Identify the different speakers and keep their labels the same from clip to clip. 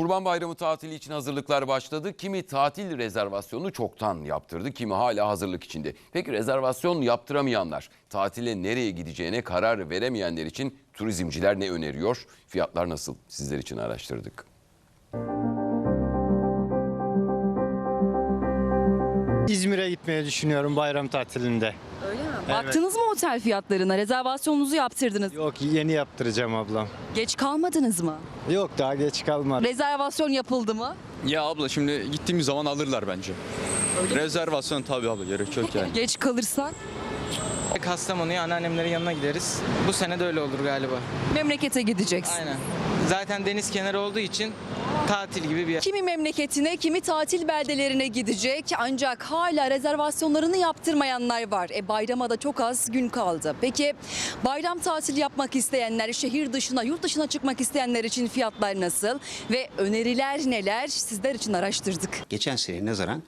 Speaker 1: Kurban Bayramı tatili için hazırlıklar başladı. Kimi tatil rezervasyonunu çoktan yaptırdı, kimi hala hazırlık içinde. Peki rezervasyon yaptıramayanlar, tatile nereye gideceğine karar veremeyenler için turizmciler ne öneriyor? Fiyatlar nasıl? Sizler için araştırdık.
Speaker 2: İzmir'e gitmeyi düşünüyorum bayram tatilinde.
Speaker 3: Öyle mi?
Speaker 2: Evet.
Speaker 3: Baktınız mı otel fiyatlarına? Rezervasyonunuzu yaptırdınız.
Speaker 2: Yok, yeni yaptıracağım ablam.
Speaker 3: Geç kalmadınız mı?
Speaker 2: Yok, daha geç kalmadı.
Speaker 3: Rezervasyon yapıldı mı?
Speaker 4: Ya abla şimdi gittiğimiz zaman alırlar bence. Rezervasyon tabii abla gerek yok yani.
Speaker 3: Geç kalırsak
Speaker 5: Kastamonu'ya anneannemlerin yanına gideriz. Bu sene de öyle olur galiba.
Speaker 3: memlekete gideceksin.
Speaker 5: Aynen. Zaten deniz kenarı olduğu için tatil gibi bir yer.
Speaker 3: Kimi memleketine, kimi tatil beldelerine gidecek ancak hala rezervasyonlarını yaptırmayanlar var. Bayrama da çok az gün kaldı. Peki bayram tatili yapmak isteyenler, şehir dışına, yurt dışına çıkmak isteyenler için fiyatlar nasıl ve öneriler neler? Sizler için araştırdık.
Speaker 6: Geçen seneye nazaran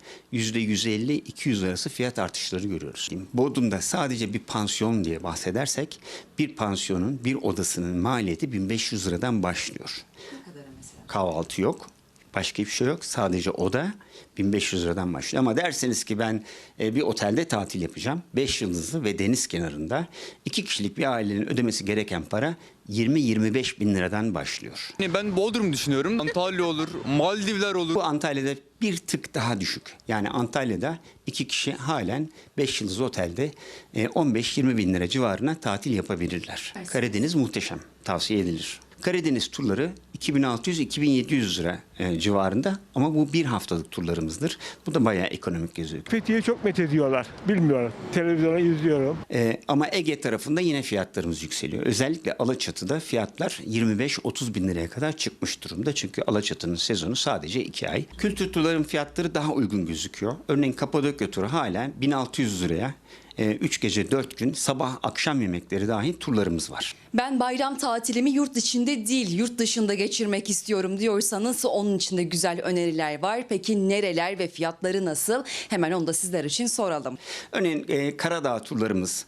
Speaker 6: %150-200 arası fiyat artışları görüyoruz. Bodrum'da sadece bir pansiyon diye bahsedersek bir pansiyonun bir odasının maliyeti 1500 liradan başlıyor. Kahvaltı yok. Başka bir şey yok. Sadece oda 1500 liradan başlıyor. Ama derseniz ki ben bir otelde tatil yapacağım. 5 yıldızlı ve deniz kenarında 2 kişilik bir ailenin ödemesi gereken para 20-25 bin liradan başlıyor.
Speaker 4: Ben Bodrum düşünüyorum. Antalya olur, Maldivler olur.
Speaker 6: Bu Antalya'da bir tık daha düşük. Yani Antalya'da 2 kişi halen 5 yıldızlı otelde 15-20 bin lira civarına tatil yapabilirler. Karadeniz muhteşem. Tavsiye edilir. Karadeniz turları 2600-2700 lira civarında ama bu bir haftalık turlarımızdır. Bu da bayağı ekonomik gözüküyor.
Speaker 7: Fethiye'yi çok methediyorlar. Bilmiyorum. Televizyona izliyorum.
Speaker 6: Ama Ege tarafında yine fiyatlarımız yükseliyor. Özellikle Alaçatı'da fiyatlar 25-30 bin liraya kadar çıkmış durumda. Çünkü Alaçatı'nın sezonu sadece 2 ay. Kültür turların fiyatları daha uygun gözüküyor. Örneğin Kapadokya turu halen 1600 liraya 3 gece 4 gün sabah akşam yemekleri dahil turlarımız var.
Speaker 3: Ben bayram tatilimi yurt içinde değil, yurt dışında geçirmek istiyorum diyorsanız onun için de güzel öneriler var. Peki nereler ve fiyatları nasıl? Hemen onu da sizler için soralım.
Speaker 6: Örneğin Karadağ turlarımız,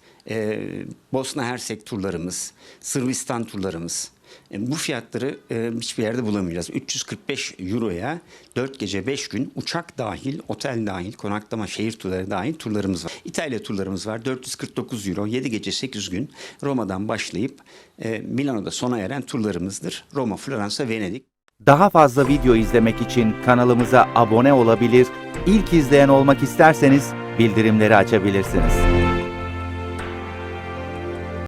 Speaker 6: Bosna Hersek turlarımız, Sırbistan turlarımız. Bu fiyatları hiçbir yerde bulamayacağız. 345 euroya 4 gece 5 gün uçak dahil, otel dahil, konaklama, şehir turları dahil turlarımız var. İtalya turlarımız var. 449 euro, 7 gece 8 gün Roma'dan başlayıp Milano'da sona eren turlarımızdır. Roma, Floransa, Venedik.
Speaker 8: Daha fazla video izlemek için kanalımıza abone olabilir, ilk izleyen olmak isterseniz bildirimleri açabilirsiniz.